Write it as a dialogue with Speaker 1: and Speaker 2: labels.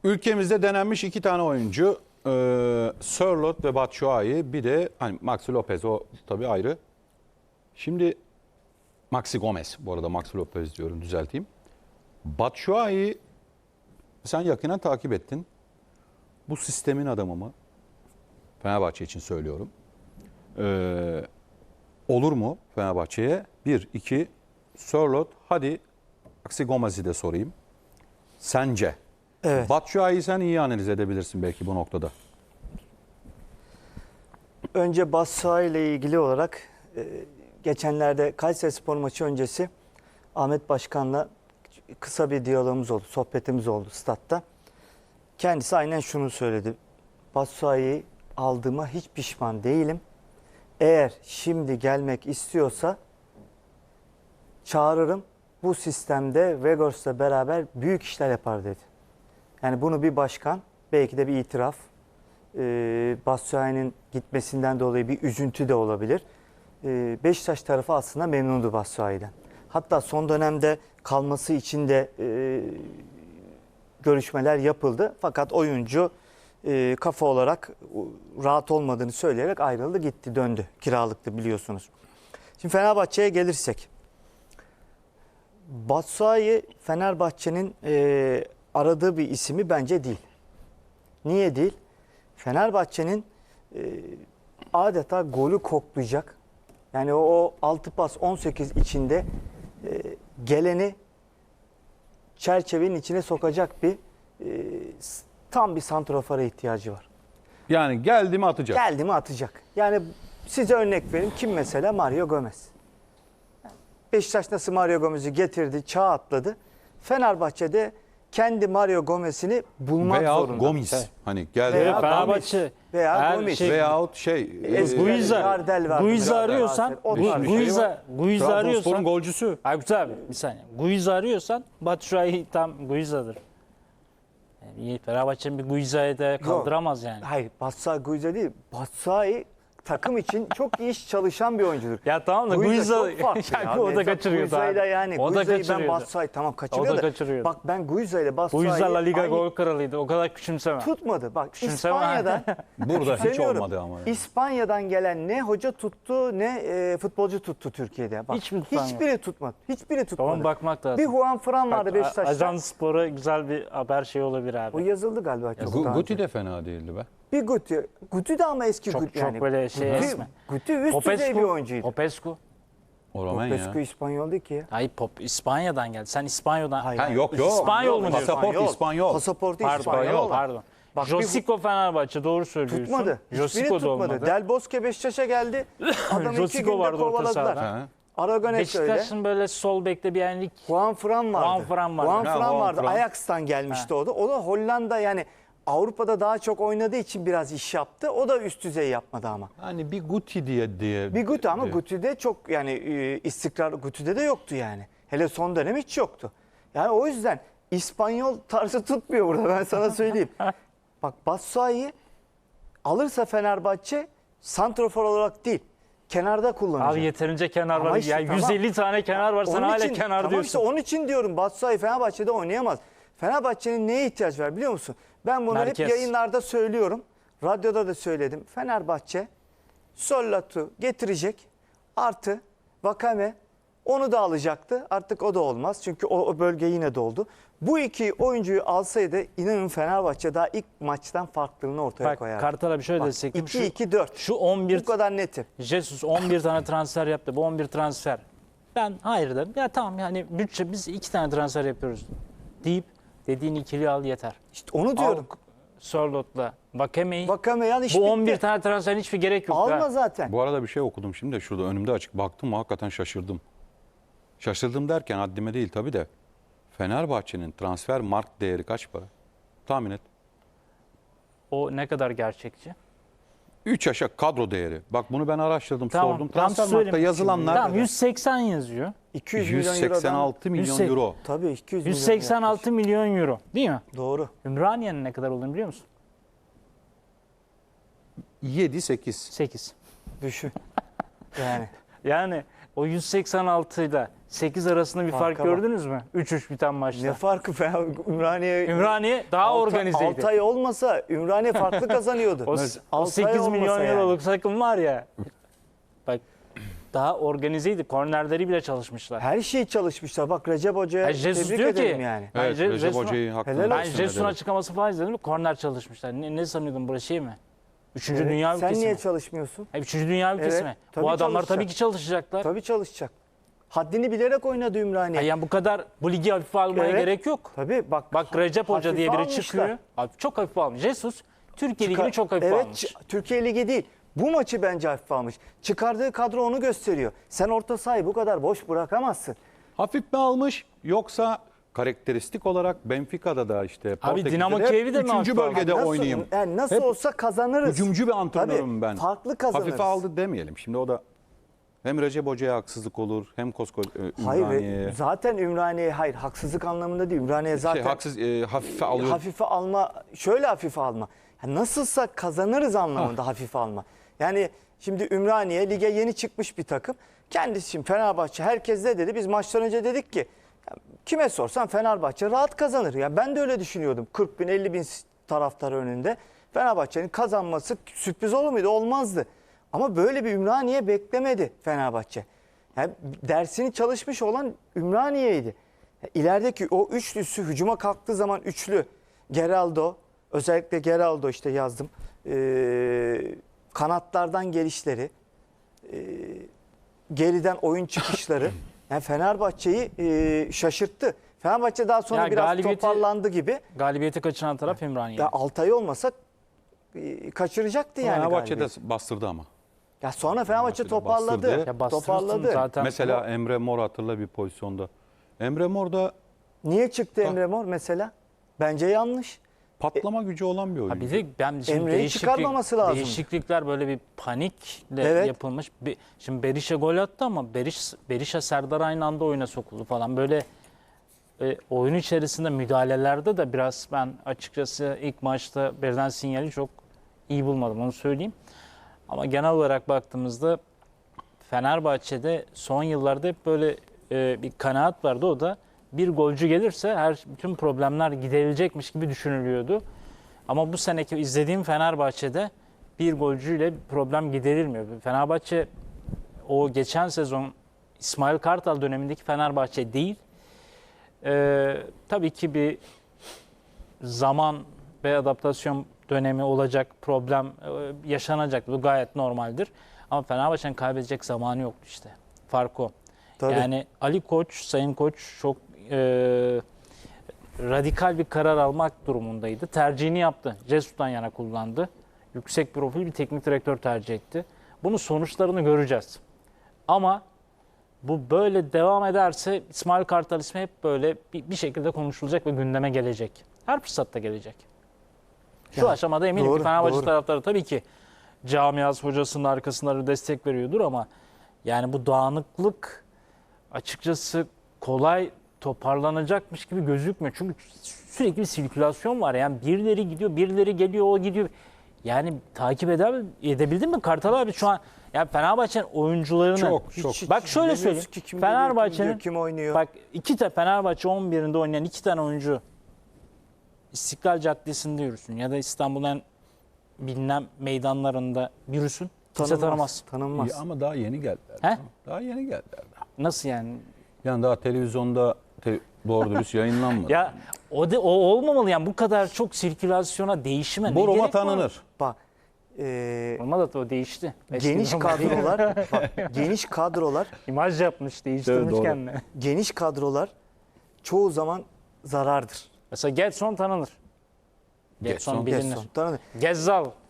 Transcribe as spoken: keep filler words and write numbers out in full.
Speaker 1: Ülkemizde denenmiş iki tane oyuncu. E, Sörloth ve Batshuayi. Bir de hani Maxi Lopez, o tabii ayrı. Şimdi Maxi Gomez, bu arada Maxi Lopez diyorum, düzelteyim. Batshuayi sen yakinen takip ettin. Bu sistemin adamı mı? Fenerbahçe için söylüyorum. Ee, olur mu Fenerbahçe'ye? Bir, iki, Sörloth, hadi Maxi Gomez'i de sorayım. Sence?
Speaker 2: Evet.
Speaker 1: Batshuayi'yi sen iyi analiz edebilirsin belki bu noktada.
Speaker 2: Önce Batshuayi ile ilgili olarak e, geçenlerde Kayserispor maçı öncesi Ahmet Başkan'la kısa bir diyalogumuz oldu, sohbetimiz oldu statta. Kendisi aynen şunu söyledi. Batshuayi'yi aldığıma hiç pişman değilim. Eğer şimdi gelmek istiyorsa çağırırım. Bu sistemde Vegors'la beraber büyük işler yapar dedi. Yani bunu bir başkan, belki de bir itiraf. Ee, Batshuayi'nin gitmesinden dolayı bir üzüntü de olabilir. Ee, Beşiktaş tarafı aslında memnundu Batshuayi'den. Hatta son dönemde kalması için de e, görüşmeler yapıldı. Fakat oyuncu e, kafa olarak rahat olmadığını söyleyerek ayrıldı, gitti, döndü. Kiralıktı biliyorsunuz. Şimdi Fenerbahçe'ye gelirsek. Batshuayi Fenerbahçe'nin e, aradığı bir ismi bence değil. Niye değil? Fenerbahçe'nin e, adeta golü koklayacak. Yani o, o altı pas on sekiz içinde e, geleni çerçevenin içine sokacak bir e, tam bir santrofora ihtiyacı var.
Speaker 1: Yani geldi mi atacak.
Speaker 2: Geldi mi atacak. Yani size örnek vereyim. Kim mesela? Mario Gomez. Beşiktaş nasıl Mario Gomez'i getirdi, çağ atladı. Fenerbahçe'de kendi Mario Gomez'ini bulmak
Speaker 1: Veyahut
Speaker 2: zorunda.
Speaker 1: Gomis.
Speaker 2: Evet.
Speaker 1: Hani geldi.
Speaker 2: Veya
Speaker 3: Fenerbahçe
Speaker 2: Veya
Speaker 3: eğer
Speaker 2: Gomis.
Speaker 3: şey-
Speaker 1: Veyahut şey.
Speaker 2: Ezgi-
Speaker 1: e,
Speaker 3: Guiza,
Speaker 2: Gardel vardı.
Speaker 3: Guiza
Speaker 2: Gardel
Speaker 3: arıyorsan,
Speaker 2: vardı. O
Speaker 3: Gu-
Speaker 2: tarz bir şey
Speaker 3: Guiza,
Speaker 1: var.
Speaker 3: Guiza
Speaker 1: Trabzonspor'un
Speaker 3: arıyorsan,
Speaker 1: golcüsü.
Speaker 3: Aykut abi bir saniye. Guiza arıyorsan Batshuayi tam Guiza'dır. Yani iyi, Fenerbahçe'nin bir Guiza'yı da kaldıramaz yani.
Speaker 2: Hayır, Batshuayi Guiza değil. Batshuayi takım için çok iyi iş çalışan bir oyuncudur.
Speaker 3: Ya tamam da
Speaker 2: Guiza
Speaker 3: Guiza,
Speaker 2: çok farklı ya.
Speaker 3: o da
Speaker 2: Mesela
Speaker 3: kaçırıyordu
Speaker 2: Guiza'yla
Speaker 3: abi.
Speaker 2: yani.
Speaker 3: O da
Speaker 2: Guiza'yı ben
Speaker 3: kaçırıyordu.
Speaker 2: Batshuayi tamam kaçırıyor
Speaker 3: O da
Speaker 2: da.
Speaker 3: kaçırıyordu.
Speaker 2: Bak ben Guiza ile Batshuayi'yi
Speaker 3: Guiza La Liga
Speaker 2: aynı-
Speaker 3: gol kralıydı. O kadar küçümseme.
Speaker 2: tutmadı. Bak
Speaker 3: Küçümseme.
Speaker 2: İspanya'dan
Speaker 1: Burada hiç
Speaker 2: Söylüyorum,
Speaker 1: olmadı ama.
Speaker 2: İspanya'dan gelen ne hoca tuttu ne e, futbolcu tuttu Türkiye'de. Bak,
Speaker 3: Hiç mi tutan
Speaker 2: hiçbiri tutmadı. Hiçbiri tutmadı.
Speaker 3: Tamam bakmak lazım.
Speaker 2: Bir Juan Fran vardı
Speaker 3: Bak,
Speaker 2: Beşiktaş'ta.
Speaker 3: Ajans Spor'a güzel bir haber şey olabilir
Speaker 2: O
Speaker 3: abi.
Speaker 2: yazıldı galiba çok
Speaker 1: Gu-
Speaker 2: daha
Speaker 1: Guti
Speaker 2: önce.
Speaker 1: de fena değildi be.
Speaker 2: Bir Guti. Guti de ama eski
Speaker 3: Çok
Speaker 2: Guti
Speaker 3: çok
Speaker 2: yani.
Speaker 3: böyle şey
Speaker 2: Guti,
Speaker 3: esme.
Speaker 2: Guti üst düzey bir oyuncuydu.
Speaker 3: Popescu.
Speaker 1: O Roman
Speaker 2: Popescu
Speaker 1: ya.
Speaker 2: İspanyol değil ki ya.
Speaker 3: Hayır pop İspanya'dan geldi. Sen İspanya'dan.
Speaker 2: Hayır.
Speaker 1: Ha, yok yok.
Speaker 3: İspanyol mu diyorsun?
Speaker 1: Pasaport İspanyol.
Speaker 2: Pasaportu
Speaker 3: Pardon,
Speaker 2: İspanyol.
Speaker 3: pardon.
Speaker 2: Bak, bir-
Speaker 3: Josico Fenerbahçe doğru söylüyorsun.
Speaker 2: Tutmadı. Hiçbiri
Speaker 3: Josico da
Speaker 2: tutmadı.
Speaker 3: olmadı.
Speaker 2: Del Bosque Beşiktaş'a geldi. Adamı iki
Speaker 3: Josico
Speaker 2: günde
Speaker 3: vardı orta
Speaker 2: kovaladılar.
Speaker 3: sahada.
Speaker 1: Ha.
Speaker 2: Aragones öyle.
Speaker 3: Beşiktaş'ın böyle sol bekte bir yenlik.
Speaker 2: Juan Fran vardı.
Speaker 3: Juan Fran vardı.
Speaker 2: Juan
Speaker 1: Ha,
Speaker 2: Fran
Speaker 1: Juan
Speaker 2: vardı.
Speaker 1: Fran.
Speaker 2: Ajax'tan gelmişti o da. O da Hollanda yani Avrupa'da daha çok oynadığı için biraz iş yaptı. O da üst düzey yapmadı ama.
Speaker 1: Hani bir Guti diye diye.
Speaker 2: Bir Guti ama
Speaker 1: diye.
Speaker 2: Guti'de çok yani e, istikrar Guti'de de yoktu yani. Hele son dönem hiç yoktu. Yani o yüzden İspanyol tarzı tutmuyor burada ben sana söyleyeyim. Bak Batshuayi alırsa Fenerbahçe santrofor olarak değil kenarda kullanacak.
Speaker 3: Abi yeterince kenar
Speaker 2: Ama
Speaker 3: var.
Speaker 2: işte
Speaker 3: ya
Speaker 2: tamam.
Speaker 3: yüz elli tane kenar var. Sen
Speaker 2: Onun
Speaker 3: hala
Speaker 2: için-
Speaker 3: kenar
Speaker 2: tamam
Speaker 3: diyorsun.
Speaker 2: işte onun için diyorum Batshuayi Fenerbahçe'de oynayamaz. Fenerbahçe'nin neye ihtiyaç var biliyor musun? Ben bunu
Speaker 3: Merkez.
Speaker 2: hep yayınlarda söylüyorum. Radyoda da söyledim. Fenerbahçe Sörloth'u getirecek. Artı Vakame onu da alacaktı. Artık o da olmaz. Çünkü o, o bölge yine doldu. Bu iki oyuncuyu alsaydı inanın Fenerbahçe daha ilk maçtan farklılığını ortaya
Speaker 3: Bak
Speaker 2: koyardı.
Speaker 3: Kartal'a bir şöyle
Speaker 2: Bak,
Speaker 3: destektim.
Speaker 2: iki iki dört.
Speaker 3: Şu on bir
Speaker 2: Bu kadar netim.
Speaker 3: Jesus on bir tane transfer yaptı. Bu on bir transfer. Ben hayır dedim. Ya tamam yani bütçe biz iki tane transfer yapıyoruz deyip dediğin ikili al yeter.
Speaker 2: İşte onu diyorum.
Speaker 3: Al Sörloth'la Vakame'yi.
Speaker 2: Vakame al iş
Speaker 3: Bu on bir
Speaker 2: bitti.
Speaker 3: tane transferin hiçbir gerek yok.
Speaker 2: Alma
Speaker 3: ha.
Speaker 2: zaten.
Speaker 1: Bu arada bir şey okudum şimdi de şurada önümde açık. Baktım hakikaten şaşırdım. Şaşırdım derken haddime değil tabii de. Fenerbahçe'nin transfer mark değeri kaç para? Tahmin et.
Speaker 3: O ne kadar gerçekçi?
Speaker 1: üç aşağı kadro değeri. Bak bunu ben araştırdım,
Speaker 3: Tamam.
Speaker 1: sordum.
Speaker 3: Tamam,
Speaker 1: Transfer
Speaker 3: söyleyeyim.
Speaker 1: markta yazılanlar
Speaker 3: Tamam yüz seksen yazıyor.
Speaker 2: iki yüz milyon
Speaker 1: yüz
Speaker 2: eurodan.
Speaker 1: seksen altı milyon
Speaker 3: yüz seksen
Speaker 1: euro.
Speaker 2: Tabii iki yüz milyon
Speaker 3: yüz seksen altı milyon euro değil mi?
Speaker 2: yaklaşık. Doğru.
Speaker 3: Ümraniye'nin ne kadar olduğunu biliyor musun?
Speaker 1: yedi sekiz.
Speaker 3: sekiz.
Speaker 2: Düşün. Yani.
Speaker 3: Yani o yüz seksen altı ile sekiz arasında bir fark
Speaker 2: Farka bak.
Speaker 3: gördünüz mü? üç üç biten maçta.
Speaker 2: Ne farkı be? Ümraniye
Speaker 3: Ümraniye daha organizeydi.
Speaker 2: Altay olmasa Ümraniye farklı kazanıyordu.
Speaker 3: O, o
Speaker 2: Altay
Speaker 3: sekiz milyon
Speaker 2: olmasa yani.
Speaker 3: euroluk takım var ya. Bak daha organizeydi. Kornerleri bile çalışmışlar.
Speaker 2: Her şey çalışmışlar. Bak Recep Hoca'ya
Speaker 3: Ha, Jesus
Speaker 2: tebrik
Speaker 3: diyor
Speaker 2: ederim
Speaker 3: ki-
Speaker 2: yani.
Speaker 3: Ben
Speaker 1: Evet,
Speaker 3: Je-
Speaker 1: Recep
Speaker 3: Jesus'un-
Speaker 1: Hoca'yı hakkını
Speaker 2: Helal
Speaker 3: Ben
Speaker 2: olsun.
Speaker 1: teslim
Speaker 3: Jesus'un
Speaker 1: ederim.
Speaker 3: açıklaması falan izledim. Korner çalışmışlar. Ne, ne sanıyordun burası şey mi? Üçüncü
Speaker 2: Evet,
Speaker 3: dünya
Speaker 2: sen
Speaker 3: ülkesi
Speaker 2: niye
Speaker 3: mi?
Speaker 2: çalışmıyorsun?
Speaker 3: Ha, Üçüncü dünya ülkesi
Speaker 2: Evet,
Speaker 3: mi?
Speaker 2: tabii
Speaker 3: Bu adamlar
Speaker 2: çalışacak.
Speaker 3: tabii ki çalışacaklar.
Speaker 2: Tabii çalışacak. Haddini bilerek oynadı Ümraniye.
Speaker 3: Ha, yani bu kadar bu ligi hafife almaya
Speaker 2: Evet.
Speaker 3: gerek yok.
Speaker 2: Tabii bak.
Speaker 3: Bak Recep Hoca
Speaker 2: hafife
Speaker 3: diye biri
Speaker 2: almışlar.
Speaker 3: çıkıyor. Abi çok hafife almış. Jesus Türkiye
Speaker 2: Çıkar-
Speaker 3: Ligi'ni çok hafife
Speaker 2: evet,
Speaker 3: almış.
Speaker 2: ç- Türkiye Ligi değil. Bu maçı bence hafife almış. Çıkardığı kadro onu gösteriyor. Sen orta sahayı bu kadar boş bırakamazsın.
Speaker 1: Hafif mi almış yoksa karakteristik olarak Benfica'da da işte Portekiz'de
Speaker 3: Dinamo
Speaker 1: de hep
Speaker 3: Kiev'i de mi
Speaker 1: üçüncü
Speaker 3: hafif aldı?
Speaker 1: bölgede
Speaker 2: nasıl,
Speaker 1: oynayayım.
Speaker 2: Yani nasıl
Speaker 1: Hep
Speaker 2: olsa kazanırız.
Speaker 1: Hücumcu bir antrenörüm
Speaker 2: Tabii,
Speaker 1: ben.
Speaker 2: farklı kazanırız.
Speaker 1: Hafife aldı demeyelim. Şimdi o da hem Recep Hoca'ya haksızlık olur hem koskoca e,
Speaker 2: Hayır
Speaker 1: Ümraniye'ye.
Speaker 2: ve zaten Ümraniye hayır haksızlık anlamında değil. Ümraniye zaten
Speaker 1: Şey, haksız e, hafife alıyor.
Speaker 2: hafife alma şöyle hafife alma. Ya nasılsa kazanırız anlamında
Speaker 1: Ah.
Speaker 2: hafife alma. Yani şimdi Ümraniye lige yeni çıkmış bir takım. Kendisi için Fenerbahçe herkes de dedi. Biz maçtan önce dedik ki ya kime sorsan Fenerbahçe rahat kazanır. Ya ben de öyle düşünüyordum. kırk bin elli bin taraftar önünde Fenerbahçe'nin kazanması sürpriz olur muydu? Olmazdı. Ama böyle bir Ümraniye beklemedi Fenerbahçe. Yani dersini çalışmış olan Ümraniye'ydi. Ya İlerideki o üçlüsü hücuma kalktığı zaman üçlü Geraldo, özellikle Geraldo işte yazdım. Ee, kanatlardan gelişleri, e, geriden oyun çıkışları yani Fenerbahçe'yi e, şaşırttı. Fenerbahçe daha sonra
Speaker 3: Ya
Speaker 2: biraz
Speaker 3: galibiyeti-
Speaker 2: toparlandı gibi.
Speaker 3: Galibiyeti kaçıran taraf Ümraniye.
Speaker 2: Ya Altay olmasa e, kaçıracaktı yani
Speaker 1: Fenerbahçe de
Speaker 2: galibiyeti.
Speaker 1: bastırdı ama.
Speaker 2: Ya sonra Fenerbahçe
Speaker 1: Fenerbahçe de
Speaker 2: toparladı.
Speaker 1: bastırdı.
Speaker 3: Ya bastırırsın
Speaker 2: Toparladı.
Speaker 3: zaten.
Speaker 1: Mesela Emre Mor hatırla bir pozisyonda. Emre Mor da
Speaker 2: Niye çıktı
Speaker 1: Ha.
Speaker 2: Emre Mor mesela? Bence yanlış.
Speaker 1: patlama gücü olan bir
Speaker 3: Ha
Speaker 1: oyuncu.
Speaker 3: bir de ben şimdi
Speaker 2: Emre'yi
Speaker 3: değişiklik,
Speaker 2: çıkarmaması lazım.
Speaker 3: değişiklikler böyle bir panikle
Speaker 2: Evet.
Speaker 3: yapılmış. Bir- Şimdi Berisha gol attı ama Beriş, Berisha Serdar aynı anda oyuna sokuldu falan. Böyle e, oyun içerisinde müdahalelerde de biraz ben açıkçası ilk maçta verilen sinyali çok iyi bulmadım onu söyleyeyim. Ama genel olarak baktığımızda Fenerbahçe'de son yıllarda hep böyle e, bir kanaat vardı. O da bir golcü gelirse her bütün problemler giderilecekmiş gibi düşünülüyordu. Ama bu seneki izlediğim Fenerbahçe'de bir golcüyle problem giderilmiyor. Fenerbahçe o geçen sezon İsmail Kartal dönemindeki Fenerbahçe değil. Ee, tabii ki bir zaman ve adaptasyon dönemi olacak, problem e, yaşanacak. Bu gayet normaldir. Ama Fenerbahçe'nin kaybedecek zamanı yoktu işte. Fark o.
Speaker 2: Tabii.
Speaker 3: Yani Ali Koç, Sayın Koç çok e, radikal bir karar almak durumundaydı. Tercihini yaptı. Jesus'tan yana kullandı. Yüksek profil bir teknik direktör tercih etti. Bunun sonuçlarını göreceğiz. Ama bu böyle devam ederse İsmail Kartal ismi hep böyle bir, bir şekilde konuşulacak ve gündeme gelecek. Her fırsatta gelecek. Şu
Speaker 2: Ya,
Speaker 3: aşamada eminim
Speaker 2: doğru,
Speaker 3: ki Fenerbahçe
Speaker 2: doğru.
Speaker 3: taraftarı tabii ki camiası hocasının arkasında destek veriyordur ama yani bu dağınıklık açıkçası kolay toparlanacakmış gibi gözükmüyor. Çünkü sürekli bir sirkülasyon var. Yani birileri gidiyor, birileri geliyor, o gidiyor. Yani takip eder, edebildin mi Kartal abi şu an? Yani Fenerbahçe'nin oyuncularını
Speaker 1: Çok,
Speaker 2: Hiç-
Speaker 1: çok.
Speaker 2: hiç
Speaker 3: Bak şöyle
Speaker 2: bilemiyoruz
Speaker 3: söyleyeyim.
Speaker 2: ki kim geliyor, kim
Speaker 3: Fenerbahçe'nin
Speaker 2: gidiyor, kim oynuyor.
Speaker 3: bak iki tane Fenerbahçe on birinde oynayan iki tane oyuncu İstiklal Caddesi'nde yürüsün ya da İstanbul'un en bilinen meydanlarında yürüsün. Kimse tanımaz.
Speaker 2: Tanınmaz.
Speaker 1: İyi ama daha yeni geldiler.
Speaker 3: He?
Speaker 1: Daha yeni geldiler.
Speaker 3: Nasıl yani?
Speaker 1: Yani daha televizyonda te- doğru dürüst yayınlanmadı.
Speaker 3: Ya o de, o olmamalı yani bu kadar çok sirkülasyona, değişime ne
Speaker 1: Boruma
Speaker 3: gerek var?
Speaker 1: tanınır.
Speaker 2: Bak e,
Speaker 3: Olmadı da o değişti. Eski
Speaker 2: geniş
Speaker 3: normal değil.
Speaker 2: kadrolar bak, geniş kadrolar
Speaker 3: İmaj yapmış, değiştirmiş
Speaker 1: Evet, doğru.
Speaker 3: kendini.
Speaker 2: geniş kadrolar çoğu zaman zarardır.
Speaker 3: Mesela Getson tanınır. Getson
Speaker 1: Getson,
Speaker 3: bilinir.
Speaker 2: Gerson, tanı-
Speaker 3: Gezzal